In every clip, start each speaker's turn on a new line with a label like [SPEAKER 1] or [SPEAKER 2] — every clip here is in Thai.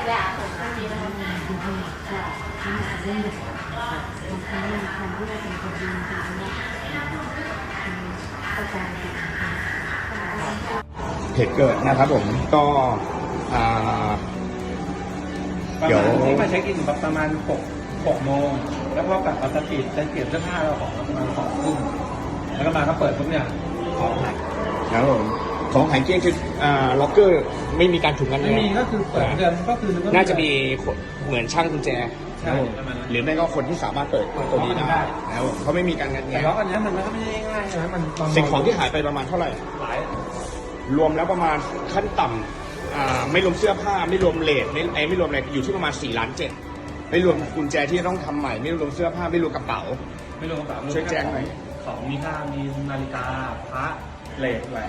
[SPEAKER 1] เหตุเกิดนะครับผมก็เดี๋ยว
[SPEAKER 2] ที่มาเช็คอินประมาณ6 โมงแล้วพอกลับมาสตรีทจะเปลี่ยนเสื้อผ้าเราของประมาณ2 ทุ่มแล้วก็มาก็เปิดปุ๊บเนี่ยของหาย
[SPEAKER 1] ครับผมของหายเกลี้ยงคือล็อกเกอร์ไม่มีการถูกงัด
[SPEAKER 2] ไม่มีก็คือเปิดเดือนก็คือ
[SPEAKER 1] น่าจะมีเหมือนช่างกุญแจหรือไม่ก็คนที่สามารถเปิดตัวนี้ได้แล้วเขาไม่มีการงัดแงะ
[SPEAKER 2] แต่ล็อกอันนี้มันก็ไม่ได้ง่ายใช่ไหมมัน
[SPEAKER 1] สิ่งของที่หายไปประมาณเท่าไหร่
[SPEAKER 2] หลาย
[SPEAKER 1] รวมแล้วประมาณขั้นต่ำไม่รวมเสื้อผ้าไม่รวมเลทไม่รวมอะไรอยู่ที่ประมาณ4.7 ล้านไม่รวมกุญแจที่ต้องทำใหม่ไม่รวมเสื้อผ้าไม่รวมกระเป๋าช่วยแจ้งหน่อย
[SPEAKER 2] ของมีค่ามีนาฬิกาพระเลทแหวน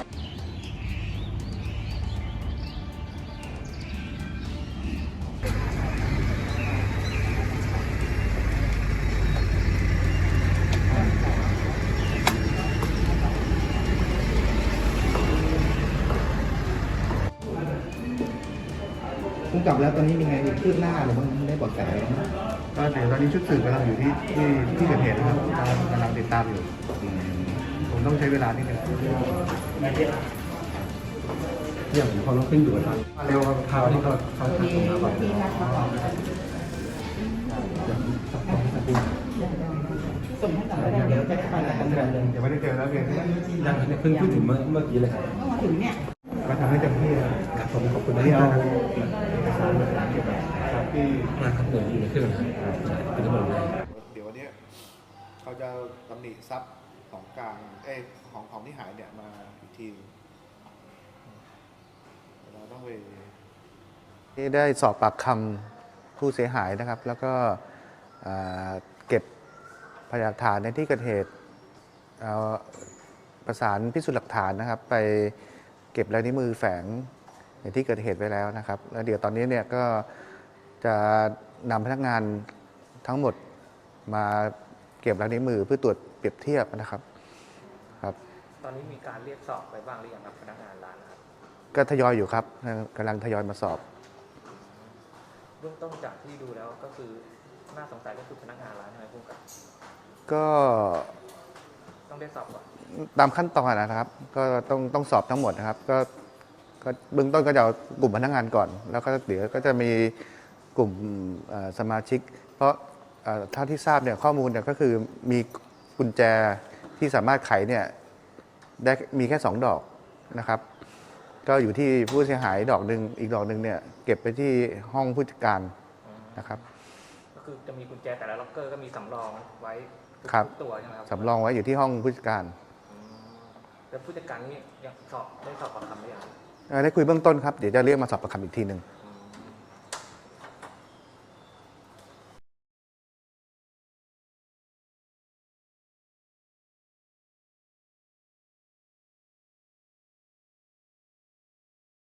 [SPEAKER 3] พุ่งกลับแล้วตอนนี้มีไงคืบหน้าหรือมันได้บอกแสก็เดี๋ยวตอนนี้ชุดสืบกำลังอยู่ที่เกิดเหตุนะครับกำลังติดตามอยู่ผมต้องใช้เวลานิดนึงอย่างเขาต้องขึ้นอยู่ครับเร็วครับข่าวที่เขาทำมาก่อนส่งให้ต่อเดี๋ยวจะไปกันเดี๋ยวไม่ได้เจอแล้วเพียง
[SPEAKER 2] ยังเพิ่งพูดถึงเมื่อกี้เลยครับ
[SPEAKER 3] มาถึงเนี่ยมาทำให้เต็มที่ผมขอบคุณที่เอาเอกสารมาเก็บที่
[SPEAKER 2] มาครับผมอยู่ในเครื่องเป็นทั้งหมดเลย
[SPEAKER 3] เดี๋ยววันนี้เขาจะตำหนิทรัพย์ของกลางของที่หายเนี่ยมาอีกทีเราต้องไปที่ได้สอบปากคำผู้เสียหายนะครับแล้วก็เก็บพยานหลักฐานในที่เกิดเหตุประสานพิสูจน์หลักฐานนะครับไปเก็บลายนิ้วมือแฝงในที่เกิดเหตุไว้แล้วนะครับแล้วเดี๋ยวตอนนี้เนี่ยก็จะนำพนักงานทั้งหมดมาเก็บลายนิ้วมือเพื่อตรวจเปรียบเทียบนะครับครับ
[SPEAKER 2] ตอนนี้มีการเรียกสอบไปบ้างหรือยังครับพนักงานร้านครับ
[SPEAKER 3] ก็ทยอยอยู่ครับกำลังทยอยมาสอบ
[SPEAKER 2] เบื้องต้นจากที่ดูแล้วก็คือน่าสงสัยก็คือพนักงานร้านใช่ไหมผู้กับ
[SPEAKER 3] ก็
[SPEAKER 2] ต้องได้สอบก่อน
[SPEAKER 3] ตามขั้นตอนนะครับก็ต้องสอบทั้งหมดนะครับก็เบื้องต้นก็จะเอากลุ่มพนักงานก่อนแล้วก็เดี๋ยวก็จะมีกลุ่มสมาชิกเพราะเท่าที่ทราบเนี่ยข้อมูลเนี่ยก็คือมีกุญแจที่สามารถไขเนี่ยได้มีแค่2 ดอกนะครับก็อยู่ที่ผู้เสียหายดอกหนึ่งอีกดอกหนึ่งเนี่ยเก็บไปที่ห้องผู้จัดการนะครับ
[SPEAKER 2] ก็คือจะมีกุญแจแต่ละล็อกเกอร์ก็มีสำรองไว้ตัวใช่ไหมครับ
[SPEAKER 3] สำรองไว้อยู่ที่ห้องผู้จัดการ
[SPEAKER 2] แล้วผู้จัดการนี่ยังได้สอบปากคำหรือยัง
[SPEAKER 3] ได้คุยเบื้องต้นครับเดี๋ยวจะเรียกมาสอบปากคำอีกทีหนึ่ง